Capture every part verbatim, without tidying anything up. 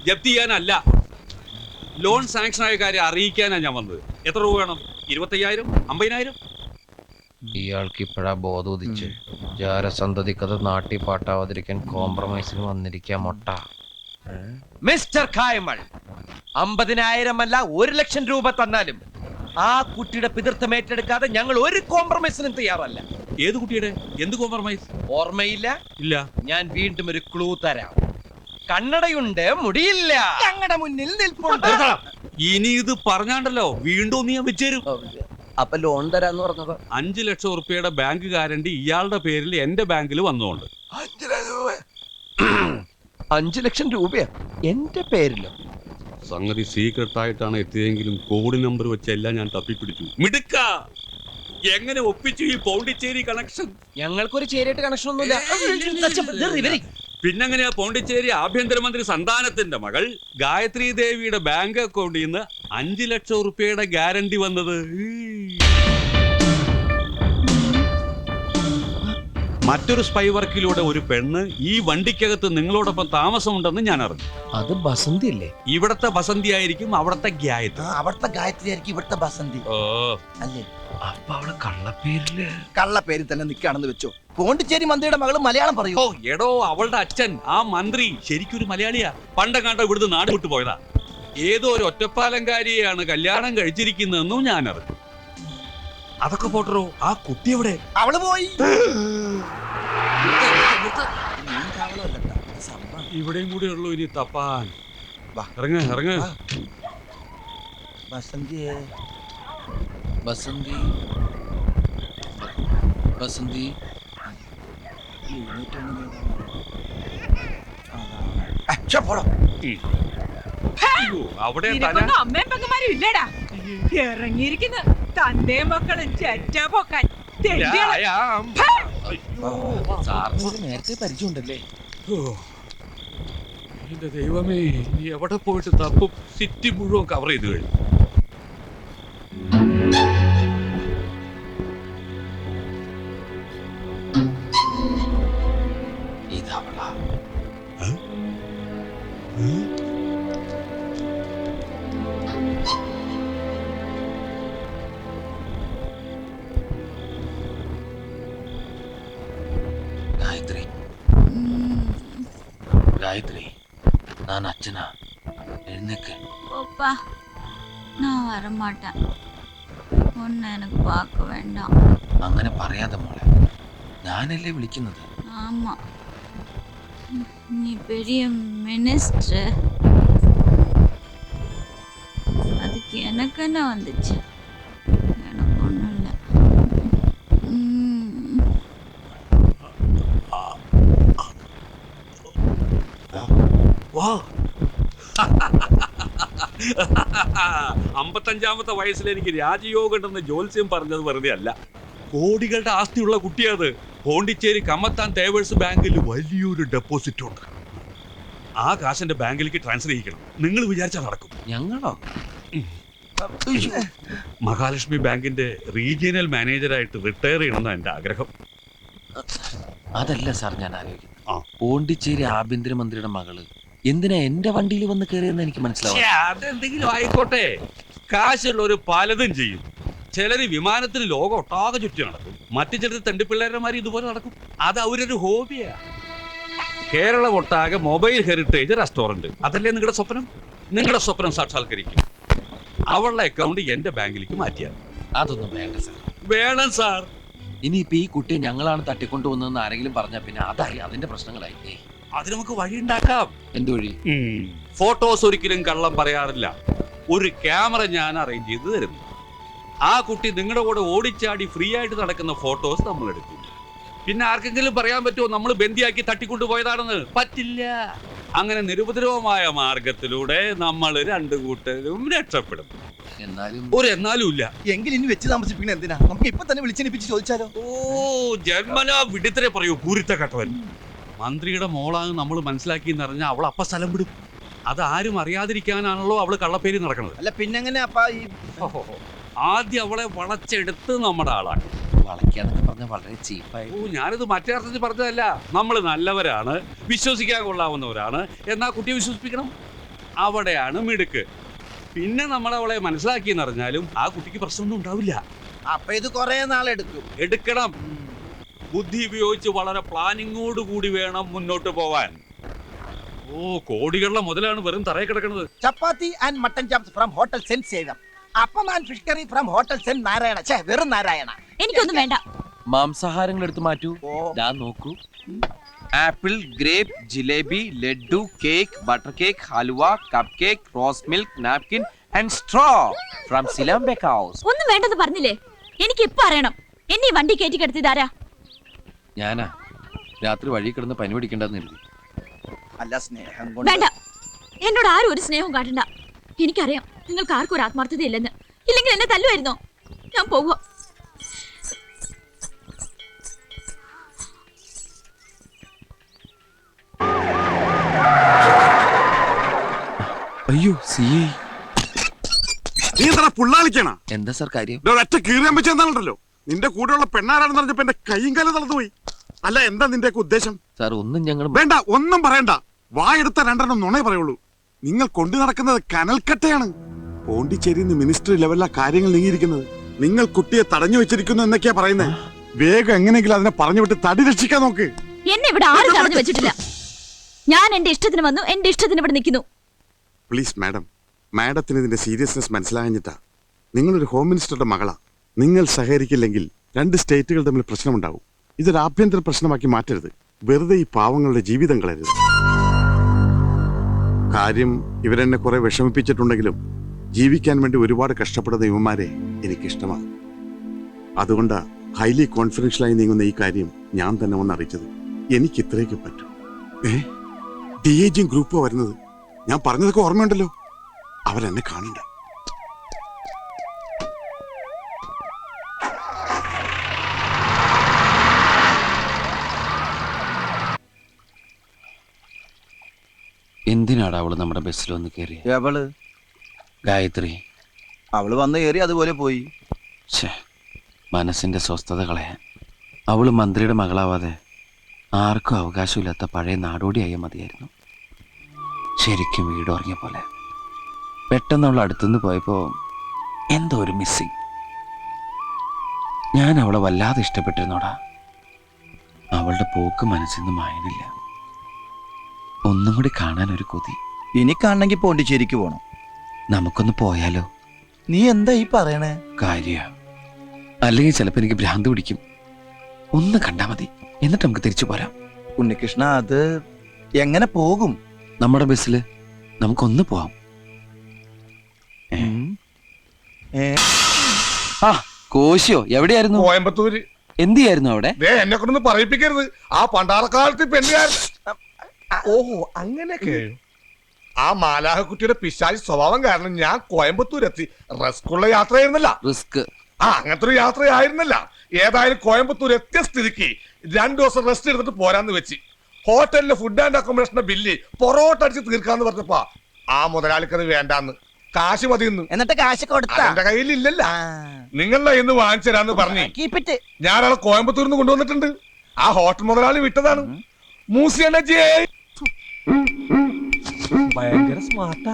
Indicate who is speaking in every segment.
Speaker 1: ജപ്തി ചെയ്യാനല്ല, loan sanction ആയ കാര്യം അറിയിക്കാനാണ് ഞാൻ വന്നത്. എത്ര രൂപ വേണം? ഇരുപത്തയ്യായിരം, അമ്പതിനായിരം?
Speaker 2: ഇയാൾക്ക് ഇപ്പോഴാ ബോധം ഉദിച്ച്. ജാരസന്തതിക്കത് നാട്ടി പാട്ടാവാതിരിക്കാൻ കോംപ്രമൈസിന് വന്നിരിക്കാം മൊട്ട.
Speaker 3: മിസ്റ്റർ കായമൾ, അമ്പതിനായിരം അല്ല ഒരു ലക്ഷം രൂപ തന്നാലും ആ കുട്ടിയുടെ പിതൃത്വം ഏറ്റെടുക്കാതെ ഞങ്ങൾ ഒരു കോംപ്രമൈസിനും തയ്യാറല്ല.
Speaker 1: ഏത് കുട്ടിയുടെ? എന്ത് കോംപ്രമൈസ്?
Speaker 3: ഓർമ്മയില്ല?
Speaker 1: ഇല്ല.
Speaker 3: ഞാൻ വീണ്ടും ഒരു ക്ലൂ തരാം. കണ്ണടയുണ്ട്, മുടിയില്ല, ഞങ്ങളുടെ മുന്നിൽ നിൽപ്പുണ്ട്.
Speaker 1: ഇനി ഇത് പറഞ്ഞാണ്ടല്ലോ വീണ്ടും നീ വെച്ചേരും.
Speaker 3: അപ്പൊ ലോൺ തരാന്ന് പറഞ്ഞത്
Speaker 1: അഞ്ചു ലക്ഷം ഉറുപ്പിയുടെ ബാങ്ക് ഗ്യാരണ്ടി ഇയാളുടെ പേരിൽ എന്റെ ബാങ്കിൽ വന്നുകൊണ്ട്.
Speaker 3: അഞ്ചു ലക്ഷം രൂപയാ എന്റെ പേരിലോ?
Speaker 1: സംഗതി സീക്രട്ട് ആയിട്ടാണ് എത്തിയതെങ്കിലും കോഡ് നമ്പർ വെച്ചെല്ലാം ഞാൻ തപ്പിപ്പിടിച്ചു. മിടുക്ക, എങ്ങനെ ഒപ്പിച്ചു ഈ പോണ്ടിച്ചേരി കണക്ഷൻ?
Speaker 3: ഞങ്ങൾക്കൊരു ചേരിയായിട്ട് കണക്ഷൻ ഒന്നുമില്ല.
Speaker 1: പിന്നെങ്ങനെയാ പോണ്ടിച്ചേരി ആഭ്യന്തരമന്ത്രി സന്താനത്തിന്റെ മകൾ ഗായത്രി ദേവിയുടെ ബാങ്ക് അക്കൗണ്ടിൽ നിന്ന് അഞ്ചു ലക്ഷം ഉറുപ്പിയുടെ ഗ്യാരണ്ടി വന്നത്? മറ്റൊരു സ്പൈ വർക്കിലൂടെ ഒരു പെണ്ണ് ഈ വണ്ടിക്കകത്ത് നിങ്ങളോടൊപ്പം താമസമുണ്ടെന്ന് ഞാൻ അറിഞ്ഞു.
Speaker 3: അത് ബസന്തി അല്ലേ?
Speaker 1: ഇവിടത്തെ ബസന്തി ആയിരിക്കും അവിടത്തെ ഗായത്രി.
Speaker 4: അവിടത്തെ ഗായത്രി ആയിരിക്കും ഇവിടുത്തെ ബസന്തി അല്ലേ?
Speaker 3: അപ്പൊ അവള് കള്ളപ്പേരില്
Speaker 4: കള്ളപ്പേരിൽ തന്നെ നിൽക്കുകയാണെന്ന് വെച്ചോ. പോണ്ടിച്ചേരി മന്ത്രിയുടെ മകള് മലയാളം പറയൂ.
Speaker 1: ഓ എടോ, അവളുടെ അച്ഛൻ ആ മന്ത്രി ശരിക്കൊരു മലയാളിയാ. പണ്ടെങ്ങാണ്ടോ ഇവിടുന്ന് നാട് വിട്ടു പോയതാ. ഏതോ ഒരു ഒറ്റപ്പാലംകാരിയെയാണ് കല്യാണം കഴിച്ചിരിക്കുന്നതെന്നും ഞാൻ അറിഞ്ഞു. അതൊക്കെ പോട്ടറോ, ആ കുട്ടി എവിടെ?
Speaker 4: അവള് പോയി.
Speaker 1: ഇവിടെയും കൂടെ ഉള്ളൂ ഇനി തപ്പാൻ. ഇറങ്ങ ഇറങ്ങ.
Speaker 4: ബസന്തിയെ
Speaker 2: ബസന്തി ബസന്തി
Speaker 1: അവിടെ
Speaker 5: അമ്മയും പെങ്ങന്മാരും ഇല്ലടാ. ഇറങ്ങിയിരിക്കുന്ന തന്റെ മക്കളും ചെറ്റ പൊക്കാൻ.
Speaker 2: നേരത്തെ പരിചയമുണ്ടല്ലേ?
Speaker 1: എന്റെ ദൈവമേ, നീ എവിടെ പോയിട്ട് തപ്പും? സിറ്റി മുഴുവൻ കവർ ചെയ്ത് കഴിഞ്ഞു.
Speaker 2: ഇതവളാ. காயத்ரி காயத்ரி நான் அச்சனா எழுந்துக்கு.
Speaker 6: போப்பா, நான் வரமாட்டேன். ஒன்னு எனக்கு பார்க்க வேண்டாம்.
Speaker 2: അങ്ങനെ പറയാതെ മോളെ, ഞാനല്ലേ വിളിക്കുന്നത്.
Speaker 6: ஆமா, நீ பெரிய மினிஸ்டர். அதுக்கு எனக்கு என்ன வந்துச்சு? எனக்கு ஒன்றும் இல்லை.
Speaker 1: അമ്പത്തഞ്ചാമത്തെ വയസ്സിൽ എനിക്ക് രാജയോഗം ഉണ്ടെന്ന് ജോത്സ്യം പറഞ്ഞത് വെറുതെ അല്ല. കോടികളുടെ ആസ്തിയുള്ള കുട്ടിയത്. പോണ്ടിച്ചേരി കമ്മത്താൻ തേവേഴ്സ് ബാങ്കിൽ വലിയൊരു ഡെപ്പോസിറ്റ് ഉണ്ട്. ആ കാശിന്റെ ബാങ്കിലേക്ക് ട്രാൻസ്ഫർ ചെയ്യിക്കണം. നിങ്ങൾ വിചാരിച്ചാൽ നടക്കും.
Speaker 2: ഞങ്ങളോ?
Speaker 1: മഹാലക്ഷ്മി ബാങ്കിന്റെ റീജിയണൽ മാനേജറായിട്ട് റിട്ടയർ ചെയ്യണമെന്നാണ് എന്റെ ആഗ്രഹം.
Speaker 2: അതല്ല സാർ ഞാൻ ആലോചിക്കുന്നത്. പോണ്ടിച്ചേരി ആഭ്യന്തരമന്ത്രിയുടെ മകള് എന്തിനാ എന്റെ വണ്ടിയിൽ വന്ന് കയറിയെന്ന് എനിക്ക് മനസ്സിലാവും.
Speaker 1: അതെന്തെങ്കിലും ആയിക്കോട്ടെ, കാശുള്ളവര് പലതും ചെയ്യും. ചിലര് വിമാനത്തിന് ലോകം ഒട്ടാകെ ചുറ്റി നടക്കും. മറ്റു ചിലർ തണ്ടിപ്പിള്ളേരന്മാർ ഇതുപോലെ നടക്കും. അത് അവരൊരു ഹോബിയാ. കേരളം ഒട്ടാകെ മൊബൈൽ ഹെറിറ്റേജ് റെസ്റ്റോറന്റ്, അതല്ലേ നിങ്ങളുടെ സ്വപ്നം? നിങ്ങളുടെ സ്വപ്നം സാക്ഷാത്കരിക്കും. അവളുടെ അക്കൗണ്ട് എന്റെ ബാങ്കിലേക്ക് മാറ്റിയാൽ.
Speaker 2: അതൊന്നും വേണ്ട സാർ.
Speaker 1: വേണം സാർ.
Speaker 2: ഇനിയിപ്പോ ഈ കുട്ടിയെ ഞങ്ങളാണ് തട്ടിക്കൊണ്ടുവന്നതെന്ന് ആരെങ്കിലും പറഞ്ഞാൽ പിന്നെ അതായി അതിന്റെ പ്രശ്നങ്ങളായി.
Speaker 1: അത് നമുക്ക് വഴി ഉണ്ടാക്കാം.
Speaker 2: എന്ത് വഴി?
Speaker 1: ഫോട്ടോസ് ഒരിക്കലും കള്ളം പറയാറില്ല. ഒരു ക്യാമറ ഞാൻ അറേഞ്ച് ചെയ്ത് തരുന്നു. ആ കുട്ടി നിങ്ങളുടെ കൂടെ ഓടിച്ചാടി ഫ്രീ ആയിട്ട് നടക്കുന്ന ഫോട്ടോസ് നമ്മൾ എടുക്കും. പിന്നെ ആർക്കെങ്കിലും പറയാൻ പറ്റുമോ നമ്മൾ ബന്ദിയാക്കി തട്ടിക്കൊണ്ടുപോയതാണെന്ന്? പറ്റില്ല. അങ്ങനെ നിരുപദ്രവമായ മാർഗത്തിലൂടെ നമ്മൾ രണ്ടു കൂട്ടരും രക്ഷപ്പെടും.
Speaker 2: എന്നാലും
Speaker 1: ഒരു എന്നാലും ഇല്ല.
Speaker 4: എങ്കിൽ ഇനി വെച്ച് താമസിപ്പിക്കണ എന്തിനാ? നമുക്ക് ഇപ്പൊ തന്നെ വിളിച്ചെണിപ്പിച്ച് ചോദിച്ചാലോ?
Speaker 1: ഓ, ജന്മനാ വിടുത്തരെ പറയൂ പൂരിത്ത കട്ടവൻ. മന്ത്രിയുടെ മോളാണ് നമ്മൾ മനസ്സിലാക്കി എന്നറിഞ്ഞാൽ അവൾ അപ്പ സ്ഥലം വിടും. അത് ആരും അറിയാതിരിക്കാനാണല്ലോ അവള് കള്ളപ്പേരി നടക്കുന്നത്.
Speaker 4: അല്ല പിന്നെങ്ങനെ അപ്പ ഈ
Speaker 1: ആദ്യം അവളെ വളച്ചെടുത്ത് നമ്മുടെ ആളാണ്.
Speaker 2: വളയ്ക്കാന്നൊക്കെ പറഞ്ഞാൽ വളരെ ചീപ്പായി.
Speaker 1: ഓ, ഞാനിത് മറ്റേ അർത്ഥത്തിൽ പറഞ്ഞതല്ല. നമ്മൾ നല്ലവരാണ്, വിശ്വസിക്കാൻ കൊള്ളാവുന്നവരാണ്. എന്നാ കുട്ടിയെ വിശ്വസിപ്പിക്കണം. അവിടെയാണ് മിടുക്ക്. പിന്നെ നമ്മൾ അവളെ മനസ്സിലാക്കിയെന്ന് അറിഞ്ഞാലും ആ കുട്ടിക്ക് പ്രശ്നമൊന്നും ഉണ്ടാവില്ല.
Speaker 4: അപ്പൊ ഇത് കൊറേ നാളെടുക്കും.
Speaker 1: എടുക്കണം. ബുദ്ധി ഉപയോഗിച്ച് വളരെ പ്ലാനിങ്ങോട് കൂടി വേണം മുന്നോട്ട് പോവാൻ. ഓ, കോടികളുടെ മുതലാണ് വെറും തറയിൽ കിടക്കുന്നത്.
Speaker 4: Chapati and mutton chops from hotel saint Sevam. Appam and fish curry from hotel saint Narayana. ഛേ, വെറും നാരായണ.
Speaker 6: എനിക്കൊന്നും വേണ്ട.
Speaker 2: മാംസാഹാരങ്ങൾ എടുത്ത് മാറ്റൂ.
Speaker 4: ഓ.
Speaker 2: ദാ നോക്കൂ. Apple, grape, jalebi, laddu, cake, butter cake, halwa, cup cake, rose milk, napkin and straw from Silam bake house.
Speaker 6: ഒന്നും വേണ്ടെന്ന് പറഞ്ഞില്ലേ? എനിക്ക് ഇപ്പൊ അറിയണം. എന്നെ ഈ വണ്ടി കയറ്റി കിടത്തിയതാരാ?
Speaker 2: ഞാനാ. രാത്രി വഴി കിടന്ന് പനി പിടിക്കണ്ടെന്ന് എഴുതി.
Speaker 4: അല്ല, സ്നേഹം കൊണ്ട്.
Speaker 6: വേണ്ട, എന്നോട് ആരും ഒരു സ്നേഹവും കാട്ടണ്ട. എനിക്കറിയാം നിങ്ങൾക്ക് ആർക്കും ഒരു ആത്മാർത്ഥത ഇല്ലെന്ന്. ഇല്ലെങ്കിൽ എന്നെ തല്ലുമായിരുന്നോ? ഞാൻ പോവുക.
Speaker 2: അയ്യോ, സി ഐ.
Speaker 7: നീ എന്താ പുള്ളാളിക്കണ?
Speaker 2: എന്താ സാർ കാര്യം?
Speaker 7: ഒറ്റ കീറിയാൻ വെച്ചെന്നാണല്ലോ. നിന്റെ കൂടെയുള്ള പെണ്ണാരാണെന്ന് പറഞ്ഞപ്പോ എന്റെ കൈയും കാലം തളർന്നുപോയി. അല്ല, എന്താ നിന്റെ ഉദ്ദേശം?
Speaker 2: സാർ ഒന്നും ഞങ്ങൾ
Speaker 7: വേണ്ട, ഒന്നും പറയണ്ട. വായെടുത്ത രണ്ടെണ്ണം നുണേ പറയുള്ളൂ. നിങ്ങൾ കൊണ്ടു നടക്കുന്നത് കനൽക്കട്ടയാണ്. പോണ്ടിച്ചേരിയിൽ നിന്ന് മിനിസ്റ്റർ ലെവലിലാ കാര്യങ്ങൾ നീങ്ങിയിരിക്കുന്നത്. നിങ്ങൾ കുട്ടിയെ തടഞ്ഞു വെച്ചിരിക്കുന്നു എന്നൊക്കെയാ പറയുന്നത്. വേഗം എങ്ങനെയെങ്കിലും അതിനെ പറഞ്ഞു വിട്ട് തടി രക്ഷിക്കാൻ നോക്ക്.
Speaker 6: എന്നെ ഇവിടെ ആരും തടഞ്ഞു വെച്ചിട്ടില്ല. ഞാൻ എന്റെ ഇഷ്ടത്തിന് വന്നു, എന്റെ ഇഷ്ടത്തിന് ഇവിടെ നിൽക്കുന്നു.
Speaker 7: പ്ലീസ് മാഡം, മാഡത്തിന് ഇതിന്റെ സീരിയസ്നെസ് മനസ്സിലാഞ്ഞിട്ടാ. നിങ്ങളൊരു ഹോം മിനിസ്റ്ററുടെ മകളാ. നിങ്ങൾ സഹകരിക്കില്ലെങ്കിൽ രണ്ട് സ്റ്റേറ്റുകൾ തമ്മിൽ പ്രശ്നമുണ്ടാവും. ഇതൊരു ആഭ്യന്തര പ്രശ്നമാക്കി മാറ്റരുത്. വെറുതെ ഈ പാവങ്ങളുടെ ജീവിതം കളയരുത്. കാര്യം ഇവരെന്നെ കുറെ വിഷമിപ്പിച്ചിട്ടുണ്ടെങ്കിലും ജീവിക്കാൻ വേണ്ടി ഒരുപാട് കഷ്ടപ്പെടുന്ന യുവമാരെ എനിക്കിഷ്ടമാണ്. അതുകൊണ്ടാ ഹൈലി കോൺഫിഡൻഷ്യലായി നീങ്ങുന്ന ഈ കാര്യം ഞാൻ തന്നെ ഒന്ന് അറിയിച്ചത്. എനിക്ക് ഇത്രയൊക്കെ പറ്റൂ. ഏ ഡി എ ജിയും ഗ്രൂപ്പോ വരുന്നത്? ഞാൻ പറഞ്ഞതൊക്കെ ഓർമ്മയുണ്ടല്ലോ. അവരെന്നെ കാണണ്ട.
Speaker 2: എന്തിനാടാ അവള് നമ്മുടെ ബസ്സിൽ വന്ന് കയറി?
Speaker 4: എവള്?
Speaker 2: ഗായത്രി.
Speaker 4: അവള് വന്ന് കയറി, അതുപോലെ പോയി.
Speaker 2: ഛേ, മനസ്സിന്റെ സ്വസ്ഥത കളയാൻ. അവള് മന്ത്രിയുടെ മകളാവാതെ ആർക്കും അവകാശമില്ലാത്ത പഴയ നാടോടിയായ മതിയായിരുന്നു. ശരിക്കും വീട് ഉറങ്ങിയ പോലെ. പെട്ടെന്ന് അവൾ അടുത്തുനിന്ന് പോയപ്പോ എന്തോ ഒരു മിസ്സിങ്. ഞാൻ അവളെ വല്ലാതെ ഇഷ്ടപ്പെട്ടിരുന്നോടാ. അവളുടെ പോക്ക് മനസ്സിൽ നിന്ന് മായനില്ല. ഒന്നും കൂടി കാണാൻ ഒരു കൊതി.
Speaker 4: ഇനി കാണണമെങ്കിൽ പോണ്ടിച്ചേരിക്ക് പോണം.
Speaker 2: നമുക്കൊന്ന് പോയാലോ?
Speaker 4: നീ എന്താ ഈ പറയണേ?
Speaker 2: കാര്യ അല്ലെങ്കിൽ ചിലപ്പോ എനിക്ക് ഭ്രാന്ത് പിടിക്കും. ഒന്ന് കണ്ടാ മതി, എന്നിട്ട് നമുക്ക് തിരിച്ചു പോരാം.
Speaker 4: ഉണ്ണികൃഷ്ണ, അത് എങ്ങനെ പോകും?
Speaker 2: നമ്മുടെ ബസ്സില് നമുക്കൊന്ന് പോവാം. ആ കോശിയോ, എവിടെയായിരുന്നു?
Speaker 8: കോയമ്പത്തൂര്.
Speaker 2: എന്ത് ചെയ്യായിരുന്നു അവിടെ?
Speaker 8: എന്നെ കൊണ്ടൊന്ന് പറയിപ്പിക്കരുത്. ആ പണ്ടാറക്കാലത്ത് പെണ്ണുകാരൻ. ഓഹോ, അങ്ങനെയൊക്കെ. ആ മാലാഹക്കുട്ടിയുടെ പിശാചി സ്വഭാവം കാരണം ഞാൻ കോയമ്പത്തൂരെത്തി. റിസ്ക്കുള്ള യാത്രയായിരുന്നല്ല.
Speaker 2: റിസ്ക്?
Speaker 8: ആ, അങ്ങനത്തെ ഒരു യാത്രയായിരുന്നല്ല. ഏതായാലും കോയമ്പത്തൂർ എത്തിയ സ്ഥിതിക്ക് രണ്ടു ദിവസം റെസ്റ്റ് എടുത്തിട്ട് പോരാന്ന് വെച്ച് ഹോട്ടലിലെ ഫുഡ് ആൻഡ് അക്കോമഡേഷന്റെ ബില്ല് പൊറോട്ട അടിച്ച് തീർക്കാന്ന് പറഞ്ഞപ്പോ ആ മുതലാളിക്കത് വേണ്ടാന്ന്, കാശ് മതിയെന്ന്.
Speaker 4: എന്നിട്ട് കാശ് കൊടുത്ത
Speaker 8: എന്റെ കയ്യിലില്ലല്ല. നിങ്ങളുടെ ഇന്ന് വാങ്ങിച്ചരാന്ന് പറഞ്ഞു
Speaker 4: കീപ്പിറ്റ്.
Speaker 8: ഞാനാളെ കോയമ്പത്തൂരിൽ നിന്ന് കൊണ്ടുവന്നിട്ടുണ്ട്. ആ ഹോട്ടൽ മുതലാളി വിട്ടതാണ്. മൂസിയണ്ണേ ഭയങ്കര സ്മാർട്ടാ.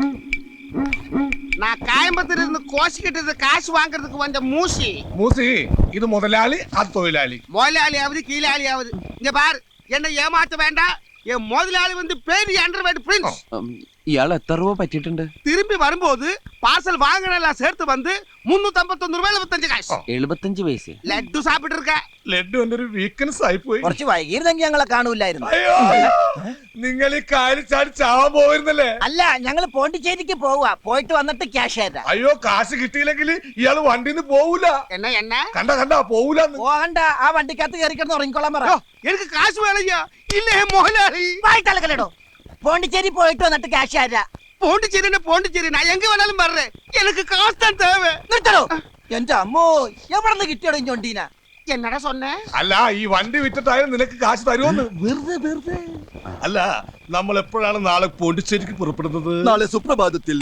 Speaker 9: நான் கோயம்புத்தூர்ல இருந்து கோஷி கிட்ட காசு வாங்குறதுக்கு வந்த மூசி.
Speaker 8: மூசி இது முதலாளி, அது தொழிலாளி.
Speaker 9: முதலாளியாவது கீழாளியாவது இங்க பாரு, என்ன ஏமாத்த வேண்டாம். என் முதலாளி வந்து பேரு அண்டர்வேர்ட் பிரின்ஸ்.
Speaker 2: ഇയാൾ എത്ര രൂപ പറ്റിയിട്ടുണ്ട്?
Speaker 9: திரும்பி வரும்போது பார்சல் வாங்கினெல்லாம் சேர்த்து வந்து முன்னூத்தி ஐம்பத்தொன்னு ரூபாய் எழுபத்தஞ்சு காசு.
Speaker 2: എഴുപത്തഞ്ച് പൈസ.
Speaker 9: ലഡ്ഡു സാപ്പിട്ട് இருக்க.
Speaker 8: ലഡ്ഡു എന്റെ ഒരു വീക്ക്നെസ് ആയി പോയി.
Speaker 4: കുറച്ച് വൈകിയിരുന്നെങ്കിൽ ഞങ്ങളെ കാണൂലായിരുന്നു.
Speaker 8: അയ്യോ, നിങ്ങൾ ഈ കാര്യം ചാടി ചാവാൻ പോയിരുന്നല്ലേ?
Speaker 4: അല്ല, ഞങ്ങള് പോണ്ടിച്ചേരിക്ക് പോവാ. പോയിട്ട് വന്നിട്ട് ക്യാഷ് തരാം.
Speaker 8: അയ്യോ, കാശ് കിട്ടിയില്ലെങ്കിൽ ഇയാള് വണ്ടിന്ന് പോവൂല.
Speaker 9: என்ன என்ன
Speaker 8: കണ്ട കണ്ട പോവൂലെന്ന്.
Speaker 4: പോകണ്ട, ആ വണ്ടിക്കകത്ത് കയറി കിടന്ന് ഉറങ്ങിക്കോളാൻ പറ.
Speaker 9: எனக்கு காசு வேலையா இல்ல முதலாளி?
Speaker 4: വായിട്ടലക്കലടോ. പോണ്ടിച്ചേരി പോയിട്ട് വന്നിട്ട് ക്യാഷ് തരാം.
Speaker 9: പോണ്ടിച്ചേരി പോണ്ടിച്ചേരി நான் எங்க வேணாலும் வர்றேன். எனக்கு காசு தான் தேவை.
Speaker 4: നിർത്തടോ. എന്റെ അമ്മോ, എവിടെ നിന്ന് കിട്ടിയോടോ ഞൊണ്ടീന?
Speaker 9: എന്നടാ சொன்னே?
Speaker 8: അല്ല, ഈ വണ്ടി വിറ്റിട്ടായാലും നിനക്ക് കാശ് തരുമെന്ന്.
Speaker 4: വെറുതെ വെറുതെ.
Speaker 8: അല്ല, നമ്മൾ എപ്പോഴാണ് നാളെ പോണ്ടിച്ചേരിക്ക് പുറപ്പെടുന്നത്?
Speaker 4: നാളെ സുപ്രഭാതത്തിൽ.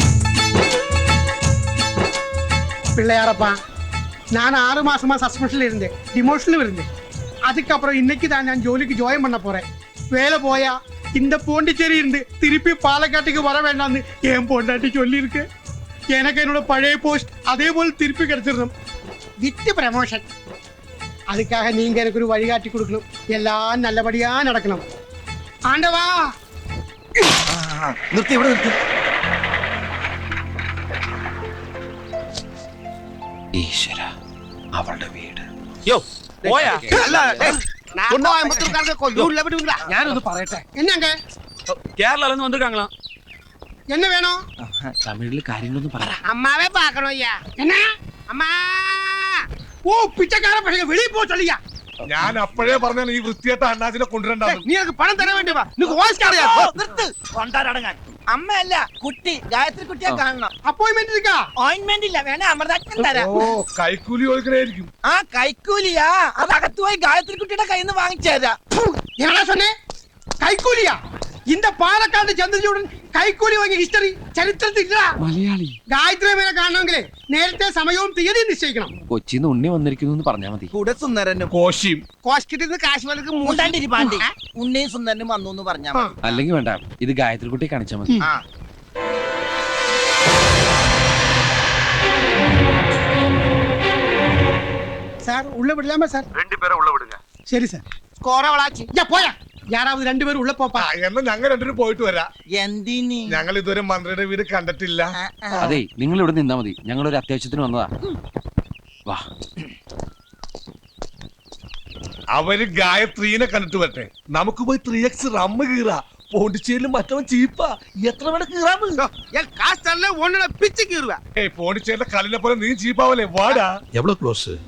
Speaker 10: பிள்ளையாரப்பா, நான் ஆறு மாசமா சஸ்பென்ஷன்ல இருந்தேன், டிமோஷன்ல இருந்தேன். அதுக்கப்புறம் இன்னைக்கு தான் நான் ஜோலிக்கு ஜாயின் பண்ண போறேன். வேலை போயா இந்த பாண்டிச்சேரி இருந்து திருப்பி பாலக்காட்டுக்கு வர வேண்டாம்னு என் பொண்டாட்டி சொல்லியிருக்கு. எனக்கு என்னோட பழைய போஸ்ட் அதே போல் திருப்பி கிடைச்சிடணும். With promotion. அதுக்காக நீங்க எனக்கு ஒரு வழிகாட்டி கொடுக்கணும். எல்லாம் நல்லபடியா நடக்கணும். ஆண்டவா,
Speaker 4: നിർത്തി ഇവിടെ നിർത്തി.
Speaker 2: ഈശ്വര, അവളുടെ വീട്.
Speaker 3: യോ പോയാ
Speaker 9: അല്ല, ഏയ്, நான் கோயம்புத்தூர்காரங்க கொல்லூர்ல விடுவீங்களா?
Speaker 3: ഞാനൊന്ന് പറയട്ടെ.
Speaker 10: என்னங்க
Speaker 3: കേരള വന്നിருக்காங்களா?
Speaker 10: என்ன வேணும்?
Speaker 2: തമിഴിൽ കാര്യങ്ങളൊന്നും പറ.
Speaker 9: அம்மாவே பார்க்கணும் ஐயா.
Speaker 10: என்ன?
Speaker 9: அம்மா,
Speaker 10: ஓ பிச்சைக்கார பசங்க வெளியே போ சொல்லியா.
Speaker 8: ഞാൻ അപ്പോഴേ പറഞ്ഞാൽ ഈ വൃത്തിയായിട്ട അണ്ണാച്ചിനെ കൊണ്ടുവരണ്ടാന്ന്.
Speaker 9: நீ எனக்கு பணம் தர வேண்டுமா? நீ ஓஸ்காரியா?
Speaker 4: ഓ, നിർത്ത്. കൊണ്ടാരടങ്ങാൻ. അമ്മയല്ല കുട്ടി, ഗായത്രി കുട്ടിയെ കാണണം.
Speaker 10: அப்பாயின்மெண்ட் இருக்கா?
Speaker 4: ഓയിന്റ്മെന്റ് ഇല്ല, വേണേ അമൃതാക്ഷൻ തരാം.
Speaker 8: ഓ കൈക്കൂലി കൊടുക്കണായിരിക്കും.
Speaker 4: ആ കൈക്കൂലിയാ, അത് അകത്ത് പോയി ഗായത്രി കുട്ടിയുടെ കയ്യിൽ നിന്ന് വാങ്ങിച്ചു തരാം.
Speaker 10: என்ன சொன்னே? கைக்கூலியா? இந்த பாலக்காடு ചന്ദ്രചൂടൻ കൈക്കൂലി വാങ്ങിയ ഹിസ്റ്ററി ചരിത്രത്തിൽ ഇല്ല.
Speaker 2: മലയാളി
Speaker 10: ഗായത്രി മേനെ കാണണമെങ്കിൽ നേരത്തെ സമയവും തീയതി നിശ്ചയിക്കണം.
Speaker 2: കൊച്ചിന്ന് ഉണ്ണി വന്നിരിക്കുന്നു എന്ന് പറഞ്ഞാൽ മതി.
Speaker 4: കൂടെ സുന്ദരനും
Speaker 8: കോശിയും
Speaker 9: കോസ്കിട്ടിന്ന് കാശ്മീർക്ക്
Speaker 4: മൂണ്ടാണ്ടിരി പാണ്ടി ഉണ്ണിയും സുന്ദരനും വന്നു എന്ന് പറഞ്ഞാ
Speaker 10: ആ.
Speaker 4: മതി.
Speaker 2: അല്ലെങ്കിൽ വേണ്ട, ഇത് ഗായത്രി കുട്ടി കാണിച്ചാൽ മതി.
Speaker 4: ആ.
Speaker 10: சார் உள்ள விடலாமா சார்?
Speaker 8: ரெண்டு பேரை உள்ள விடுங்க.
Speaker 10: சரி சார்.
Speaker 9: സ്കോറ വളാച്ചി.
Speaker 10: யா போயா. யாராவது ரெண்டு பேரும் உள்ள போப்பா.
Speaker 8: ആ, എന്നാ ഞങ്ങൾ രണ്ടുപേരും പോയിട്ട് വരാം.
Speaker 4: എന്തിനി?
Speaker 8: ഞങ്ങൾ ഇതുവരെ മന്ത്രിയുടെ വീട് കണ്ടിട്ടില്ല.
Speaker 4: ആ, ആ.
Speaker 2: അതെ, നിങ്ങൾ ഇവിടെ നിന്നാ മതി. ഞങ്ങളൊരു അത്യാവശ്യത്തിന് വന്നതാ. വാ.
Speaker 8: അവര് ഗായത്രീനെ കണ്ടിട്ട് വരട്ടെ. നമുക്ക് പോയി ത്രീ എക്സ് റമ്മ് കീറാ. പോണ്ടിച്ചേരിയിലും മറ്റവൻ ചീപ്പാ. എത്ര വേണം കീറാമ്?
Speaker 9: என் காசு தரல ஒன்னு பிச்சு கீறுவேன்.
Speaker 8: ഏയ് പോണ്ടിച്ചേരിയുടെ കല്ലിനെ പോലെ നീ ചീപ്പാവല്ലേ? വാടാ.
Speaker 11: எவ்வளவு க்ளோஸ்?